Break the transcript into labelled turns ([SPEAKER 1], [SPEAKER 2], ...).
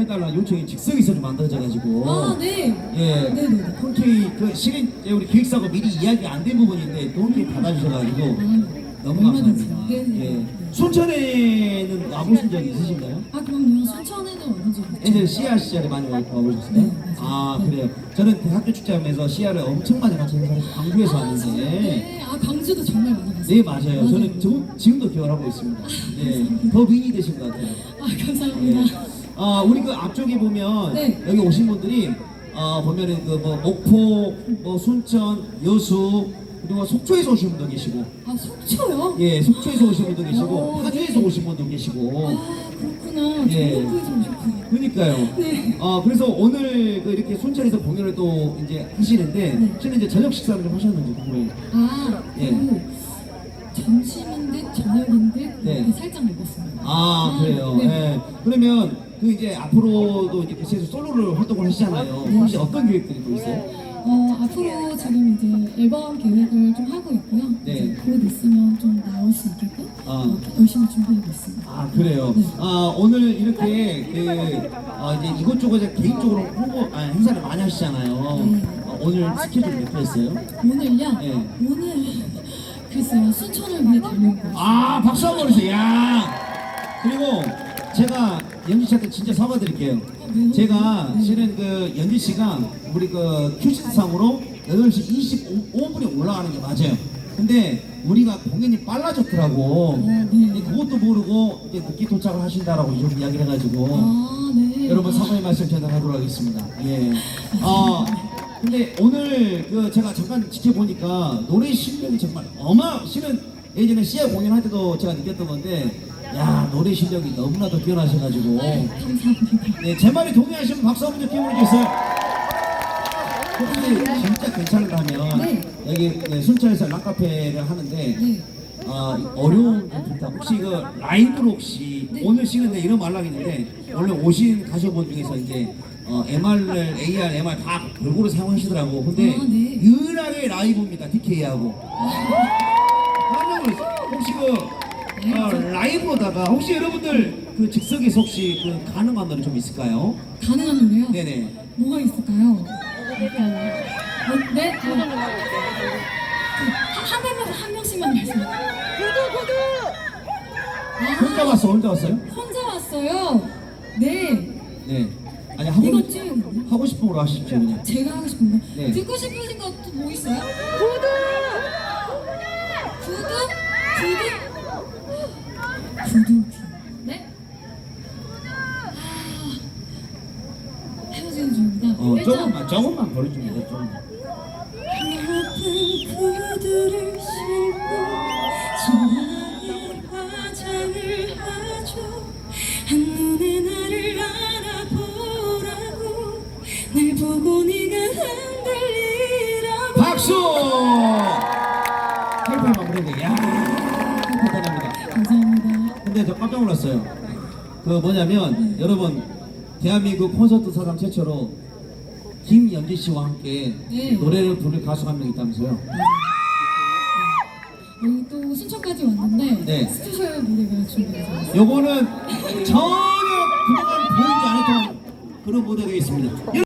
[SPEAKER 1] 해달라는 요청이 즉석에서 만들어져가지고.
[SPEAKER 2] 아, 네.
[SPEAKER 1] 예.
[SPEAKER 2] 네네.
[SPEAKER 1] 흔쾌히 그 실은 우리 기획사가 미리 이야기 안 된 부분인데 또 흔쾌히 받아주셔가지고 너무 감사합니다.
[SPEAKER 2] 네네.
[SPEAKER 1] 예. 순천에는 와보신 적 있으신가요?
[SPEAKER 2] 아, 그럼요. 순천에는 와본 적 있죠.
[SPEAKER 1] 예전에 씨앗 시절에 많이 와보셨어요?
[SPEAKER 2] 네, 맞아요.
[SPEAKER 1] 아, 그래요. 저는 대학교 축제하면서 씨앗을 엄청 많이 같이 행사해서 광주에서 왔는데.
[SPEAKER 2] 네. 아, 광주도 정말 많이 갔어요.
[SPEAKER 1] 네, 맞아요. 저는 지금도 기억하고 있습니다. 예. 더 윙이 되신 것 같아요.
[SPEAKER 2] 아, 감사합니다.
[SPEAKER 1] 예. 우리 그 앞쪽에 보면
[SPEAKER 2] 네.
[SPEAKER 1] 여기 오신 분들이 보면은 그 뭐 목포, 뭐 순천, 여수 그리고 속초에서 오신 분도 계시고,
[SPEAKER 2] 아, 속초요?
[SPEAKER 1] 예, 속초에서 오신 분도 계시고,
[SPEAKER 2] 오,
[SPEAKER 1] 파주에서
[SPEAKER 2] 네.
[SPEAKER 1] 오신 분도 계시고.
[SPEAKER 2] 아, 그렇구나.
[SPEAKER 1] 예.
[SPEAKER 2] 전북에서 오셨구나.
[SPEAKER 1] 그러니까요.
[SPEAKER 2] 네.
[SPEAKER 1] 그래서 오늘 그 이렇게 순천에서 공연을 또 이제 하시는데,
[SPEAKER 2] 네.
[SPEAKER 1] 실은 이제 저녁 식사를 좀 하셨는지 궁금해요.
[SPEAKER 2] 아,
[SPEAKER 1] 예.
[SPEAKER 2] 그 점심인 듯 저녁인 듯
[SPEAKER 1] 네.
[SPEAKER 2] 이렇게 살짝 먹었습니다.
[SPEAKER 1] 아, 그래요.
[SPEAKER 2] 네.
[SPEAKER 1] 예. 그러면 그 이제 앞으로도 이제 계속 솔로를 활동을 하시잖아요.
[SPEAKER 2] 네.
[SPEAKER 1] 혹시 어떤 계획들이 또 있어요?
[SPEAKER 2] 앞으로 지금 이제 앨범 계획을 좀 하고 있고요.
[SPEAKER 1] 네.
[SPEAKER 2] 이제 곧 있으면 좀 나올 수 있게끔 열심히 준비하고 있습니다.
[SPEAKER 1] 아, 그래요.
[SPEAKER 2] 네.
[SPEAKER 1] 오늘 이렇게 그 이제 이것저것 이제 개인적으로 행사를 많이 하시잖아요.
[SPEAKER 2] 네.
[SPEAKER 1] 오늘 스케줄 몇 개 있어요?
[SPEAKER 2] 오늘요?
[SPEAKER 1] 네.
[SPEAKER 2] 오늘 글쎄요, 순천을 위해 달려온 거예요.
[SPEAKER 1] 아, 박수 한번 주세요. 야. 그리고 제가 연지 씨한테 진짜 사과드릴게요.
[SPEAKER 2] 왜요?
[SPEAKER 1] 제가
[SPEAKER 2] 네.
[SPEAKER 1] 실은 그 연지 씨가 우리 그 큐시트상으로 8시 25분에 올라가는 게 맞아요. 근데 우리가 공연이 빨라졌더라고.
[SPEAKER 2] 네.
[SPEAKER 1] 근데 그것도 모르고 이제 늦게 도착을 하신다라고 이렇게 이야기를 해가지고
[SPEAKER 2] 아, 네.
[SPEAKER 1] 여러분 사과의 말씀 전달하도록 하겠습니다. 예. 근데 오늘 그 제가 잠깐 지켜보니까 노래 실력이 정말 실은 예전에 시야 공연할 때도 제가 느꼈던 건데, 야, 노래 실력이 너무나도 뛰어나셔가지고.
[SPEAKER 2] 감사합니다.
[SPEAKER 1] 네, 제 말에 동의하시면 박수 한번 좀 보내주세요. 혹시 진짜 괜찮다면
[SPEAKER 2] 네.
[SPEAKER 1] 여기 네, 순천에서 락카페를 하는데
[SPEAKER 2] 네.
[SPEAKER 1] 어려운 분들 혹시 그 라이브로 혹시
[SPEAKER 2] 네.
[SPEAKER 1] 오늘 시간에 이런 말랑 있는데 원래 오신 가수분 중에서 이제 MR을 AR, MR 다 골고루 사용하시더라고. 근데
[SPEAKER 2] 아, 네.
[SPEAKER 1] 유일하게 라이브입니다. DK하고. 깜짝 놀랐어요. 혹시 그 라이브로다가 혹시 여러분들 그 즉석에서 혹시 그 가능한 노래 좀 있을까요?
[SPEAKER 2] 가능한 노래요?
[SPEAKER 1] 네네.
[SPEAKER 2] 뭐가 있을까요? 네? 한 명씩만 말씀해.
[SPEAKER 1] 혼자 왔어, 혼자 왔어요?
[SPEAKER 2] 혼자 왔어요. 네.
[SPEAKER 1] 네. 아니
[SPEAKER 2] 이거 찍는데?
[SPEAKER 1] 하고 싶은 걸로 하십시오 그냥.
[SPEAKER 2] 제가 하고 싶은 거.
[SPEAKER 1] 네.
[SPEAKER 2] 듣고 싶으신 것도 뭐 있어요? 구두? 네? 헤어지는 중입니다.
[SPEAKER 1] 조금만 버려줍니다. 조금만.
[SPEAKER 2] 아픈 구두를 신고 좋아하는 화장을 하죠. 한눈에 나를 알아보라고 날 보고 네가 흔들리라고.
[SPEAKER 1] 박수! 헬파이 마무리인데, 야, 대단합니다.
[SPEAKER 2] 감사합니다.
[SPEAKER 1] 근데 저 깜짝 놀랐어요. 그 뭐냐면 여러분 대한민국 콘서트 사상 최초로 김연지 씨와 함께
[SPEAKER 2] 네.
[SPEAKER 1] 노래를 부를 가수가 한 명 있다면서요?
[SPEAKER 2] 여기 또 순천까지 왔는데
[SPEAKER 1] 네.
[SPEAKER 2] 스페셜 무대가 준비되어 있어요.
[SPEAKER 1] 요거는 전혀 그동안 보이지 않았던 그런 무대가 있습니다.